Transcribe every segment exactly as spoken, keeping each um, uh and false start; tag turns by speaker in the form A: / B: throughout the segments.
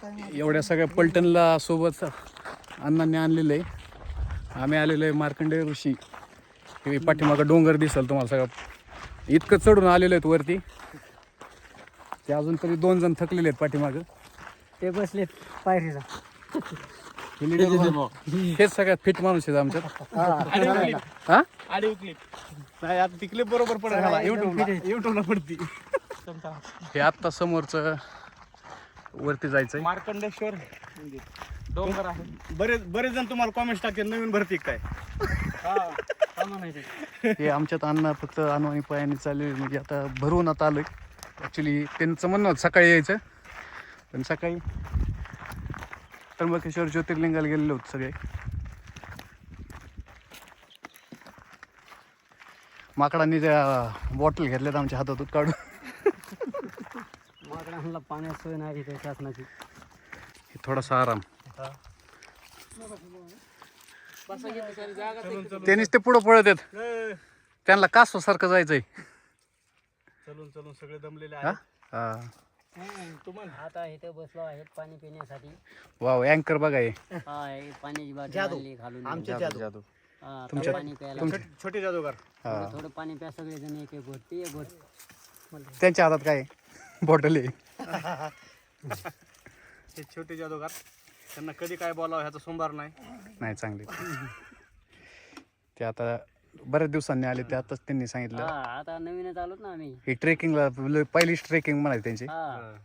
A: एवढ्या सगळ्या पलटणला सोबत अण्णांनी आणलेलं आहे. आम्ही आलेलो आहे मार्कंडेय ऋषी. हे पाठीमागं डोंगर दिसेल तुम्हाला सगळं. इतकं चढून आलेलो आहेत वरती. ते अजून तरी दोन जण थकलेले आहेत पाठीमागं.
B: ते बसलेत पायरीला.
A: हेच सगळ्यात फिट माणूस आहेत आमच्यात. हा
C: आडिओ क्लिप नाही आता ती क्लिप बरोबर पडेल युट्यूबला युट्यूबला पडती.
A: हे आत्ता समोरचं वरती जायचंय.
C: मार्कंडेश्वर डोंगर आहे. बरेच बरेच जण तुम्हाला कॉमेंट्स टाकतील नवीन भरती काय.
A: हे आमच्यात अण्णा फक्त अनवाणी पायाने चालले. म्हणजे आता भरवून आता आलोय. ॲक्च्युली त्यांचं म्हणणं होतं सकाळी यायचं, पण सकाळी त्र्यंबकेश्वर ज्योतिर्लिंगाला गेलेले होते सगळे. माकडांनी त्या बॉटल घेतल्यात आमच्या हातातून काढून.
B: माकडांना पाण्यात सोय नाही तिथे शासनाची.
A: थोडासा आराम. त्यांनीच ते पुढं पळत आहेत. त्यांना कासवासारखं जायचंय.
C: चलून चलून सगळे दमलेले
A: हा
C: आहेत.
A: हा
B: तुम्हाला आता इथे बसलो आहेत पाणी पिण्यासाठी.
A: वाव अँकर बघा हे.
B: हा हे पाण्याची बाटली आणली घालून.
C: आमचे जादू
B: हा,
A: तुमच्या-
B: पाणी प्यायला
A: तुमच्या-
C: छोटे जादूगार.
A: हा
B: थोडं थोडं पाणी प्या सगळेजण. एक एक घोट ते एक घोट.
A: त्यांच्या हातात काय बॉटल आहे.
C: हे छोटे जादूगार त्यांना कधी काय बोलावं ह्याचा सोमवार नाही.
A: नाही चांगले ते आता बऱ्याच दिवसांनी आले. ते आताच त्यांनी सांगितलं
B: हा आता नवीनच आलोत ना आम्ही.
A: ही ट्रेकिंगला पहिलीच ट्रेकिंग म्हणायची त्यांची.
B: हा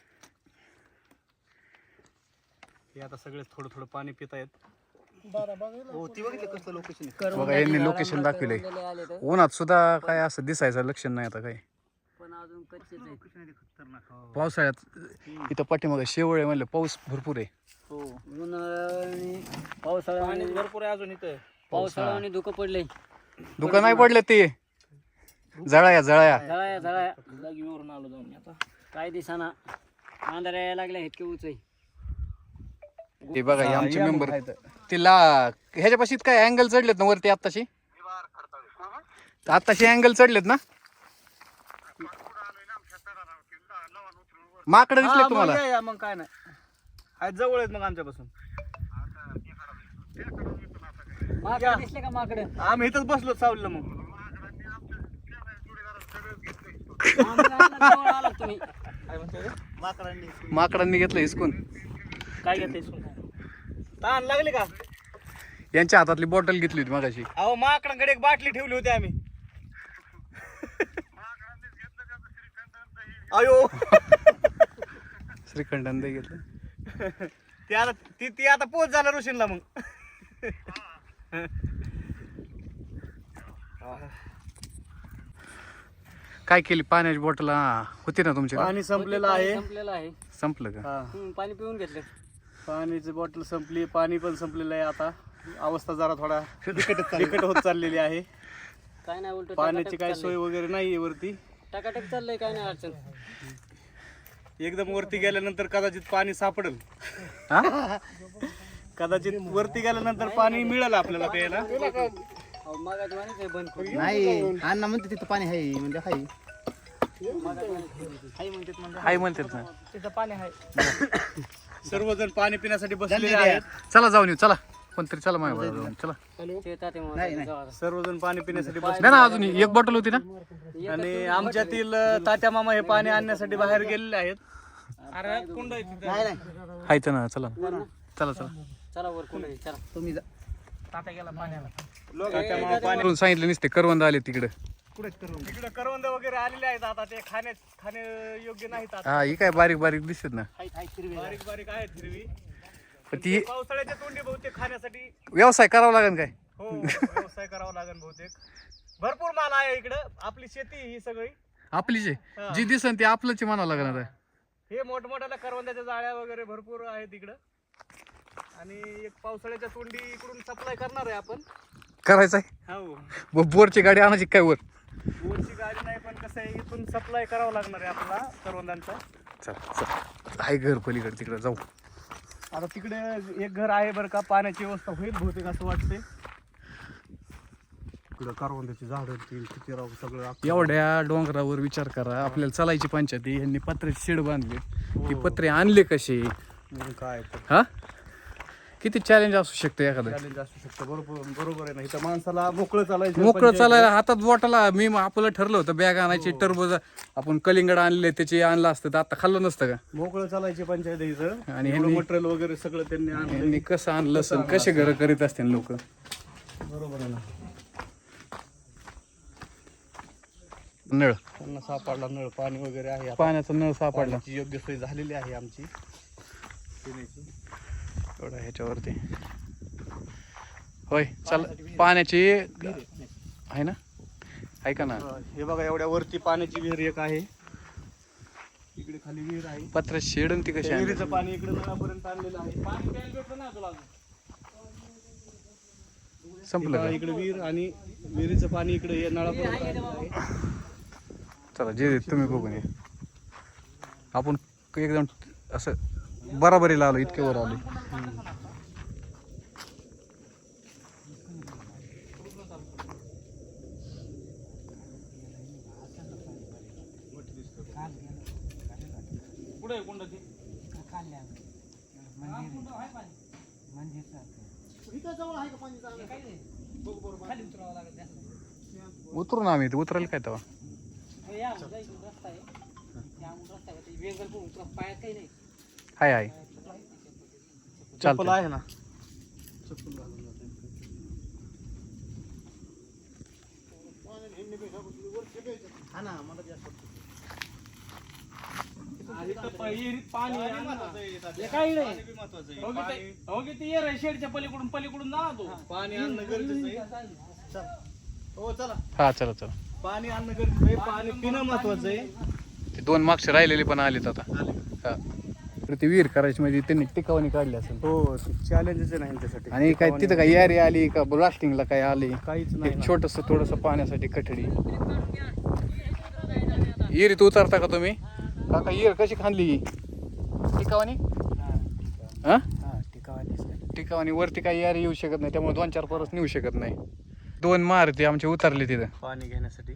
C: हे आता सगळे थोडं थोडं पाणी पित आहेत. हो ती बघितलं कसलं लोकेशन.
A: बघा यांनी लोकेशन दाखवलंय.
B: आले तर
A: उन्हात सुद्धा काय असं दिसायचं लक्षण नाही आता काय.
B: पण अजून कच्चेच आहेत.
A: पावसाळ्यात इथं पाठीमागं शेवळ आहे म्हणलं पाऊस भरपूर आहे.
B: हो उन्हाळ्याने पावसाळ्याने
C: पाणी भरपूर आहे अजून इथं.
B: पावसाळ्याने धुकं पडले.
A: दुकान नाही पडले ते जळाया जळाया.
B: जळाया जळाया जागीवरून आलो जाऊन. आता काय दिसाना अंधाऱ्या यायला लागल्या इतके उंच आहे.
A: ते बघा हे आमचे मेंबर तिला ह्याच्यापाशी काय अँगल चढलेत ना वरती आत्ताशी. आत्ताशी अँगल चढलेत ना. माकडं दिसले
C: हा,
A: तुम्हाला.
C: मग या, या, मग काय नाही आहेत जवळ आहेत मग आमच्यापासून.
B: माकडं दिसले का माकडं.
C: आम्ही इथंच बसलो सावलीला. मग
B: जवळ आलात तुम्ही.
C: काय म्हणते माकडांनी
A: माकडांनी घेतलं हिसकून.
C: काय घेते ताण लागली का.
A: यांच्या हातातली बॉटल घेतली होती मगाशी.
C: अहो माकडांकडे एक बाटली ठेवली होती आम्ही. अयो
A: श्रीखंड घेतलं.
C: ती आता ती ती आता पोच झाला ऋषींला. मग
A: काय केली पाण्याची बॉटल होती ना तुमच्या.
C: पाणी संपलेलं आहे.
B: संपलेलं आहे.
A: संपलं का.
C: हा.
B: हम्म, पाणी पिऊन घेतलं.
C: पाण्याची बॉटल संपली. पाणी पण संपलेलं आहे. आता अवस्था जरा थोडा बिकट होत चाललेली आहे.
B: काय नाही उलट
C: पाण्याची काय सोय वगैरे नाही वरती.
B: टकाटक चाललंय. काय नाही अडचण.
C: एकदम वरती गेल्यानंतर कदाचित पाणी सापडेल.
A: हा
C: कदाचित वरती गेल्यानंतर पाणी मिळेल आपल्याला प्यायला.
B: अहो, मगाच म्हणे ते बंद करू.
D: नाही अण्णा म्हणते तिथं पाणी आहे म्हणजे आहे.
A: हाय म्हणतात ना.
C: तिथं पाणी आहे. सर्वजण पाणी पिण्यासाठी बसलेले आहेत.
A: चला जाऊन येऊ. चला कोणतरी चला माझ्या जाऊन चला.
B: शेतात आहे म्हणून जाऊ.
C: सर्वजन पाणी पिण्यासाठी बसले.
A: नाही ना अजून एक बॉटल होती ना.
C: आणि आमच्यातील तात्या मामा हे पाणी आणण्यासाठी बाहेर गेलेले आहेत. अरे कुंड आहे तिथं.
D: नाही नाही
A: हायचं ना. चला चला चला.
B: चला वर कोण चला.
D: तुम्ही जा.
C: तात्या गेला पाण्याला. तात्या मामा पाणी
A: करून सांगितलं नसते करवंद आले तिकडे.
C: तिकडे करवंद वगैरे आलेले आहेत. आता ते खाणे खाणे योग्य नाहीत. आता
A: हा ही काय बारीक बारीक दिसत ना.
C: बारीक बारीक आहेत हिरवी.
A: पण ती
C: पावसाळ्याच्या तोंडी बहुतेक खाण्यासाठी
A: व्यवसाय करावा लागेल काय.
C: हो व्यवसाय करावा लागेल बहुतेक. भरपूर माल आहे इकडं. आपली शेती ही सगळी.
A: आपली जे जी दिसन ती आपलंच म्हणावं लागणार आहे.
C: हे मोठमोठ्याला करवंदाच्या जाळ्या वगैरे भरपूर आहेत इकडं. आणि एक पावसाळ्याच्या तोंडी इकडून सप्लाय करणार आहे आपण.
A: करायचंय.
C: हो
A: बोरची गाडी आणायची काय वर.
C: बोरची गाडी नाही पण कसं आहे इथून सप्लाय करावं लागणार आहे आपल्याला करवंदांचा.
A: चला चला आहे घर पलीकडे तिकडे जाऊ.
C: आता तिकडे एक घर आहे बरं का. पाण्याची व्यवस्था होईल बहुतेक असं वाटते. इकडं करवंदाची झाडं किती राहू सगळं.
A: एवढ्या डोंगरावर विचार करा. आपल्याला चालायची पंचायती. यांनी पत्र्याची शेड बांधली. ती पत्रे आणले कसे.
C: मग काय तर
A: हा किती चॅलेंज असू शकतं एखादं
C: चॅलेंज असू शकतं. बरोबर बरोबर आहे ना. इथं माणसाला मोकळं चालायचं
A: मोकळं
C: पण
A: चालायला हातात बोटाला मी आपलं ठरलं होतं बॅग आणायची
C: हो.
A: टरबूज आपण कलिंगड आणले त्याचे आणलं असतं तर आता खाल्लं नसतं का
C: मोकळं चालायची पंचायत आहे इथं.
A: आणि
C: आणि
A: ह्यांनी-
C: मटेरियल वगैरे सगळं त्यांनी आणलं.
A: यांनी कसं आणलं असेल कसे घरं करीत असतील लोक
C: बरोबर आहे ना.
A: नळ
C: त्यांना सापडला नळ पाणी वगैरे आहे आता.
A: पाण्याचा नळ सापडला
C: पाण्याची योग्य सोय झालेली आहे आमची पिण्याची.
A: एवढा ह्याच्यावरती होय चल पाण्याची आहे ना ऐका ना
C: अं, हे बघा एवढ्या वरती पाण्याची विहीर एक आहे. इकडे खाली विहीर आहे.
A: पत्र शेडून ती कशी
C: त्या
A: आणली?
C: विहिरीचं पाणी इकडे नळापर्यंत आणलेलं आहे. पाणी प्यायला भेटलं ना तुला अजून?
A: संपलं का
C: इकडे विहीर आणि विहिरीचं पाणी इकडे या नळापर्यंत आणलेलं आहे.
A: चला जे तुम्ही बघून या आपण एकदम असं बराबरीला आलो इतके वर आलो
C: कुठे आहे कुंड ती?
A: उतरून आम्ही उतरायला काय तेव्हा हाय हाय
C: चप्पल
A: चालतंय.
C: आहे ना. चप्पल घालून जाते.
D: हा ना मला ते असं
C: आणि इथं प- विहिरीत पाणी आहे ना.
B: हे काय इकडे?
C: पाणी बी महत्वाचं आहे. पाणी- हो की ते येर आहे शेडच्या पलीकडून पलीकडून जा ना तू. पाणी आणणं गरजेचं आहे. चल. हो चला.
A: हा चला चला
C: पाणी आणणं गरजेचं आहे. पाणी पिणं महत्वाचं आहे.
A: ते दोन मागचे राहिलेले पण आलेत आता
C: आले.
A: हा तर ती विहीर करायची म्हणजे त्यांनी टिकावणी काढली असेल
C: हो चॅलेंजच आहे ना ह्यांच्यासाठी.
A: आणि काय तिथं काय यारी आली का ब्लास्टिंगला काय आली
C: काहीच नाही
A: एक
C: ना.
A: छोटस थोडस पाण्यासाठी कठडी विहिरीत उतरता का तुम्ही काका विहीर कशी खांदली टिकावणी हा टिकावणी वरती काही यारी येऊ शकत नाही त्यामुळे दोन चार परस नेऊ शकत नाही दोन मारुती आमचे उतरले तिथं
C: पाणी घेण्यासाठी.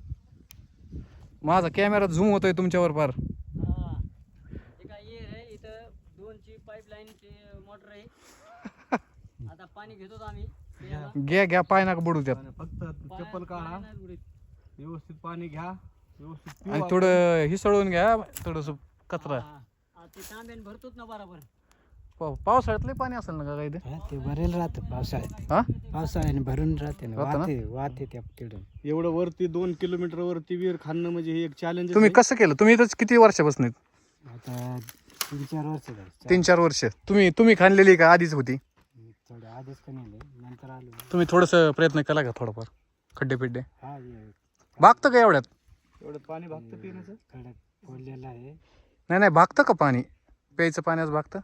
A: माझा कॅमेरा झूम होतोय तुमच्यावर फार
B: हा. हे काय ये रे इथं दोनची पाईपलाईनची मोटर आहे. आता पाणी घेतो आम्ही प्यायला.
A: घ्या घ्या पाय नका बुडू त्यात
C: आणि फक्त चप्पल काढा.
B: पाणी नाही उडीत.
C: व्यवस्थित पाणी घ्या. व्यवस्थित पिऊ
A: आणि
C: आपण.
A: थोडं हिसळून घ्या थोडस कचरा
B: हा. हा, ते तांब्याने भरतोच ना बरोबर.
A: पाव- पावसाळ्यातलं पाणी असेल ना का काही ते
E: ते भरेल राहतं पावसाळ्यात
A: हा
E: पावसाळ्याने भरून राहते ना
A: राहतं ना?
E: वाहते वाहते त्या तिकडून
C: एवढं वरती दोन किलोमीटर वरती विहीर खाणं म्हणजे हे एक चॅलेंज.
A: तुम्ही कसं केलं तुम्ही इथंच किती वर्षापासून आहेत?
E: आता तीन चार वर्ष झाली
A: तीन चार वर्ष तुम्ही तुम्ही खाणलेली का आधीच होती
E: थोडं आधीच का नेले नंतर आलो
A: तुम्ही थोडंसं प्रयत्न केला का थोडंफार खड्डे पिड्डे
E: हा ये
A: भागतं का एवढ्यात
C: एवढं पाणी भागतं पिण्याचं.
E: कडक फोडलेला आहे
A: नाही नाही भागतं का पाणी प्यायचं पाण्यास भागतं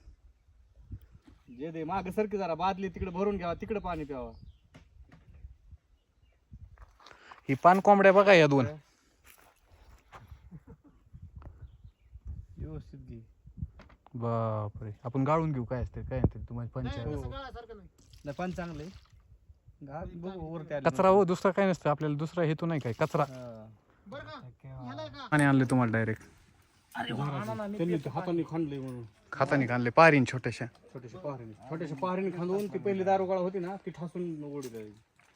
C: जे दे माग सरकी जरा बादली तिकडे भरून घ्यावा तिकडे पाणी प्यावा.
A: ही पान कोंबड्या बघा या दोन
C: व्यवस्थित घे.
A: बापरे आपण गाळून घेऊ काय असते काय असते तुम्हाला पंचायत
C: नाही पण चांगले बघू वरती आले.
A: कचरा हो दुसरा काय नसतं आपल्याला दुसरा हेतू नाही काय कचरा
C: हा.
A: पाणी आणले तुम्हाला डायरेक्ट
C: त्यांनी ते हाताने खांदले म्हणून
A: खातानी खाणले पारीन छोट्याशा
C: छोट्याशा पहारीने छोट्याशा पहारीने खांदून ती पहिली दारुगोळा होती ना ती ठासून ओढी द्यायची.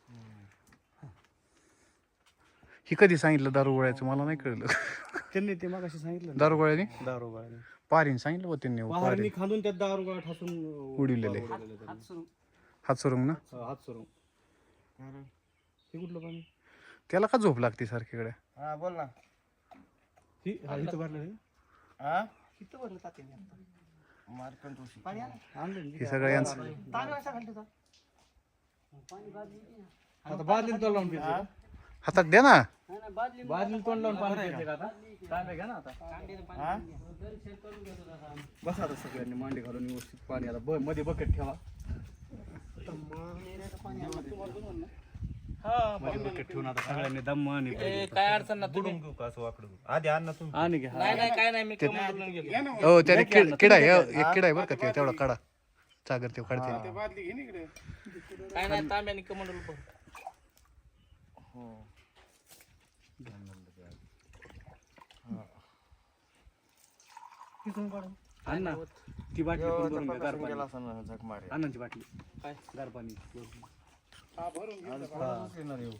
A: ही कधी सांगितलं दारू गोळ्याचं मला नाही कळलं
C: त्यांनी ते मागाशी सांगितलं ना.
A: दारू गोळ्याने
C: दारुगोळ्याने
A: पारीन सांगितलं होतं त्यांनी
C: पहारीने
A: पारीन
C: खांदून त्यात दारुगोळा ठासून
A: उडविलेले.
C: उडविलेले त्यांनी.
A: हात सोडून ना
C: हा, हात सोडून. हे कुठलं पाणी?
A: त्याला का झोप लागते सारखीकडे
D: हा बोल ना.
C: ही हा, इथं भरलं हे?
D: हा किती भरलं तात्याने मार्कंड ऋषी पाणी आलं?
C: आणलं ना?
A: हे सगळं यांचं
D: तांदूळ असा घालतो का?
C: आता बादलीला तोंड लावून प्यायचं का?
A: हातात द्या ना
B: नाही, नाही, बादली
C: बादलीला तोंड लावून पाणी प्यायचं का आता? तांब्या घ्या ना आता.
D: हा
C: बसा आता सगळ्यांनी मांडी घालून व्यवस्थित पाणी आता ब- मध्ये बकेट ठेवा. मध्ये बकेट ठेवून आता सगळ्यांनी दम आणि
B: काय अडचण ना तुम्ही
D: आधी आण ना तू.
C: आणि घ्या.
B: नाही नाही काय नाही मी कमवून गेलो.
A: हो त्याने किड किडा आहे हो, एक किडा आहे बरं का ते तेवढा काढा चागर ते काढते
B: काय नाही तांब्याने कमंडल पण
C: आण ना. ती बाटली पण
D: यो,
C: भरून घ्या, गार
D: तपासून
C: पाणी
D: गेला असं ना, झक मारे.
C: अण्णांची बाटली काय गार पाणी
D: आज परवाच येणार येऊ.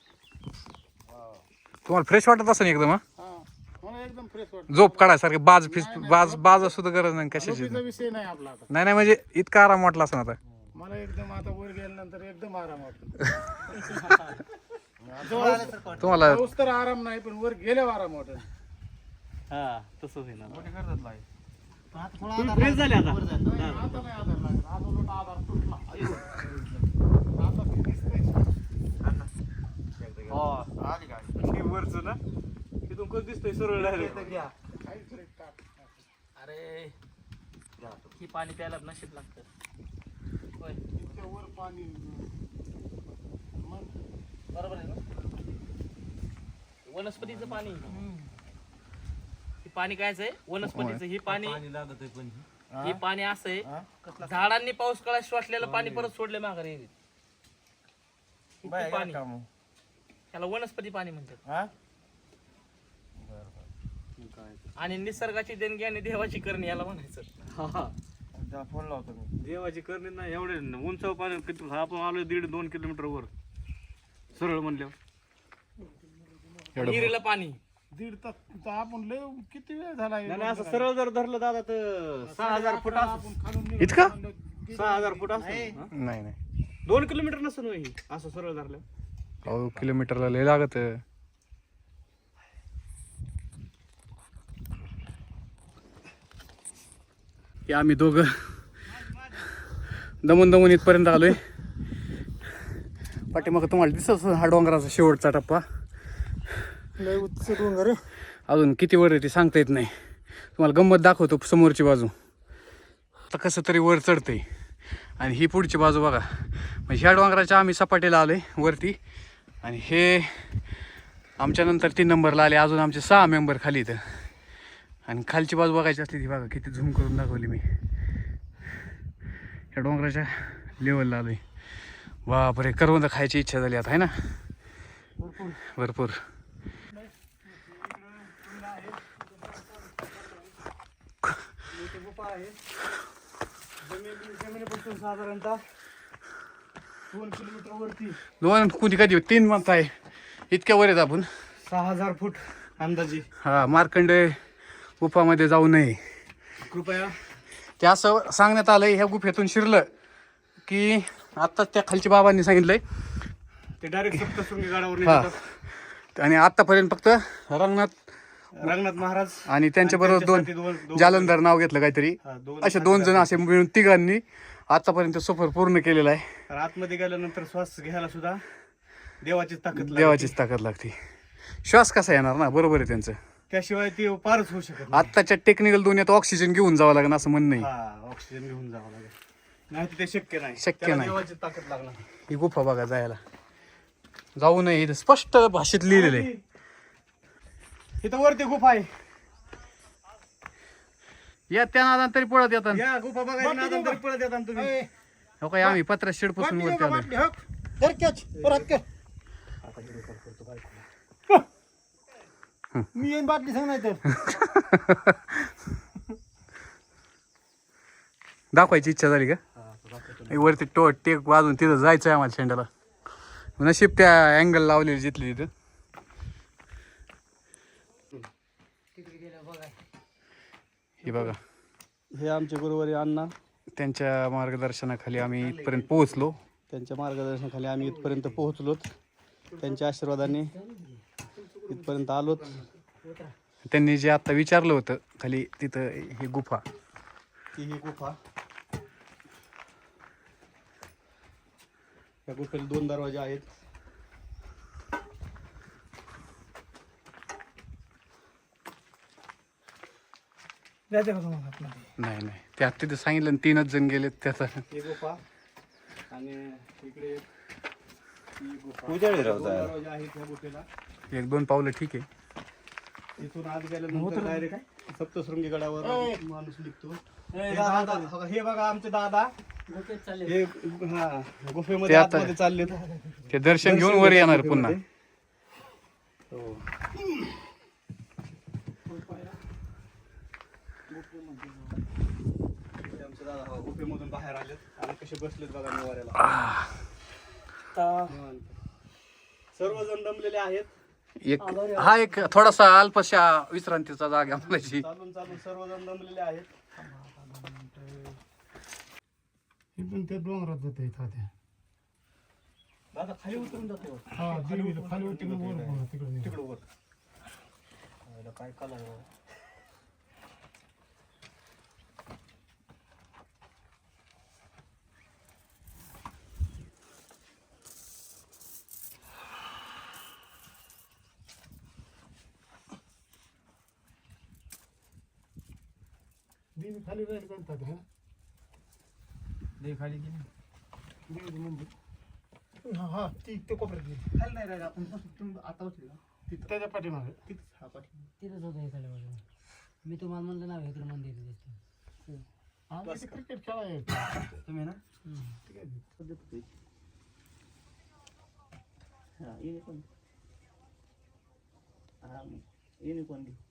A: तुम्हाला फ्रेश वाटत असं एकदम हा
F: हा मला एकदम फ्रेश वाटतं.
A: झोप काढायसारखे बाज फिस बाज बाज सुद्धा गरज नाही कशाची
F: झोपेचा विषय नाही आपला आता.
A: नाही नाही म्हणजे इतका आराम वाटला असं आता
F: मला एकदम आता वर गेल्यानंतर एकदम आराम वाटतो.
A: तुम्हाला
F: पाऊस तर आराम नाही पण वर गेल्यावर आराम वाटत.
C: हा तसंच आहे ना
D: मोठी करतात लाईट.
C: तुम्ही फ्रेश झाले आता
F: आता नाही आधार लागत. आज उलट आधार तुटला. आता ते दिसतंय.
D: आली गाडी.
C: हे वरचं ना तिथून कसं दिसतंय सरळ डायरेक्ट
F: काहीच नाही टाक.
B: अरे ही पाणी प्यायला नशीब लागतं होय
F: इतक्या वर पाणी मग
B: बरोबर आहे ना वनस्पतीचं पाणी हे पाणी कायच आहे वनस्पतीचं हे पाणी हे पाणी असं आहे झाडांनी पाऊस काळात शोषलेलं पाणी परत सोडले माघारी येईल.
D: बाय,
B: हे पाणी
D: गेला का मग?
B: त्याला वनस्पती पाणी म्हणतात
D: हा?
B: आणि निसर्गाची देणगी आणि देवाची करणी याला म्हणायचं.
D: त्याला फोन लावतो मी.
C: देवाची करणी नाही एवढे उंचाव पाणी किती आपण आलोय दीड दोन किलोमीटर वर सरळ म्हणल्यावर
B: विहिरीला पाणी
F: दीड तास तर आपण लय किती वेळ झाला
C: नाही नाही, असं सरळ जर धरलं दादा तर सहा हजार फूट असं
F: आपण खालून
A: इतका
C: सहा हजार फूट असं
A: नाही नाही
C: दोन किलोमीटर नसेल होय ही, असं सरळ धरलं
A: अहो किलोमीटरला लय लागत हे आम्ही दोघं दमून दमून इथपर्यंत आलोय. पाठीमागं तुम्हाला दिसत असेल हा डोंगराचा शेवटचा टप्पा.
F: लय उच्च डोंगर आहे.
A: अजून किती वर आहे ते सांगता येत नाही. तुम्हाला गंमत दाखवतो समोरची बाजू. आता कसं तरी वर चढतंय आणि ही पुढची बाजू बघा. म्हणजे ह्या डोंगराच्या आम्ही सपाटीला आलोय वरती आणि हे आमच्या नंतर तीन नंबरला आले. अजून आमचे सहा मेंबर खाली इथं आणि खालची बाजू बघायची असली ती बघा किती झूम करून दाखवली मी. ह्या डोंगराच्या लेवलला आलोय. बापरे करवंद खायची इच्छा झाली आता आहे ना भरपूर.
C: जमिनीपासून साधारणतः
F: दोन किलोमीटर वरती
A: दोन कुठे कधी तीन म्हणत आहे इतक्या वर आहेत आपण.
C: सहा हजार फूट अंदाजे.
A: हा मार्कंड गुफामध्ये जाऊ नये
C: कृपया
A: ते असं सांगण्यात आलंय. ह्या गुफेतून शिरलं की आत्ताच त्या खालच्या बाबांनी सांगितलंय
C: ते डायरेक्ट सप्तशृंगी गडावर
A: हा
C: नेतात.
A: आणि आत्तापर्यंत फक्त रंगनाथ
C: रंगनाथ महाराज
A: आणि त्यांच्याबरोबर दोन
C: त्यांच्यासाठी दोन-
A: जालंधर नाव घेतलं काहीतरी.
C: हा, दोन
A: असे दोन जण असे मिळून तिघांनी आतापर्यंत सफर पूर्ण केलेला आहे.
C: तर आतमध्ये गेल्यानंतर श्वास घ्यायला सुद्धा देवाचीच ताकद लागते.
A: देवाचीच ताकद लागते. श्वास कसा येणार ना बरोबर आहे त्यांचं.
C: त्याशिवाय ती पारच होऊ शकत नाही.
A: आत्ताच्या टेक्निकल दुनियेत ऑक्सिजन घेऊन जावं लागेल असं म्हणणं आहे.
C: हा ऑक्सिजन घेऊन जावं लागेल नाही तर ते शक्य नाही.
A: शक्य
C: त्याला
A: नाही.
C: देवाची ताकद लागणार.
A: ही गुफा बघा जायला जाऊ नये इथं स्पष्ट भाषेत लिहिलेलं आहे.
C: इथं वरती गुफा आहे.
A: या त्या नादान तरी पळत येतात.
C: या गुफा बघायची ना आता तरी पळत येतात तुम्ही.
A: हो काय आम्ही पत्रा शेड पासून वरती आलोय.
F: धर कॅच परत कर. मी येईन बाटली सांग नाही तर.
A: दाखवायची इच्छा झाली का वरती टो टेक वाजून तिथं जायचं आहे आम्हाला शेंडाला. नशीब त्या अँगल लावलेली जिथली तिथं. हे बघा
C: हे आमचे गुरुवारी अण्णा
A: त्यांच्या मार्गदर्शनाखाली आम्ही इथपर्यंत पोहोचलो.
C: त्यांच्या मार्गदर्शनाखाली आम्ही इथपर्यंत पोहोचलोत. त्यांच्या आशीर्वादाने इथपर्यंत आलोत.
A: त्यांनी जे आता विचारलं होतं खाली तिथं ही गुफा
C: ती ही गुफा. या गुफेला दोन दरवाजे आहेत. जायचं का तुम्हाला आतमध्ये?
A: नाही नाही ते आता तिथं सांगितलं आणि तीनच जण गेलेत त्याचा.
C: ही गुफा आणि इकडे ही गुफा.
D: उजाडी राव
C: दोन
D: जायला.
C: दरवाजे आहेत या गुफेला.
A: एक दोन पावलं ठीक आहे.
C: इथून आत गेल्यानंतर डायरेक्ट सप्तशृंगी गडावर माणूस निघतो. हे दादा बघा, हे बघा आमचे दादा
B: गुफेत चालले
C: हे हा
A: ते
C: गुफेमध्ये
A: आता-
C: आतमध्ये चालले.
A: ते दर्शन घेऊन वर येणार पुन्हा.
C: हो. झोपेमधून बाहेर आलेत आणि कसे बसलेत बघा निवाऱ्याला. निवांत. सर्वजण दमलेले आहेत.
A: एक हा एक थोडासा अल्पशा विश्रांतीचा जागा म्हणायची.
C: चालून चालून सर्वजण दमलेले आहेत.
F: इथून ते डोंगरात जाते इथं त्या
C: दादा खाली उतरून जातो.
F: हा देवीला खाली उतरून वर बोला तिकडे
C: तिकडं वर. आयला काय कला आहे बाबा.
F: देवी खाली राहील म्हणतात हा
E: देवी खाली गेली
F: देवीचं मंदिर हा हा ती ते कोपऱ्यात गेली.
D: खाली नाही राहिलं आपण बसू तुम्ही आता उचली ना
F: तिथं त्याच्या पाठीमागे
D: तिथं हा पाठी
E: तिथंच होतं इकडे बाजूला. मी तुम्हाला म्हणलं ना इकडे मंदिर दिसतं.
F: हा इथे क्रिकेट खेळायचं
D: तुम्ही ना
F: ठीक आहे.
D: पद्धत होती. हा येणे कोण हा येणे कोण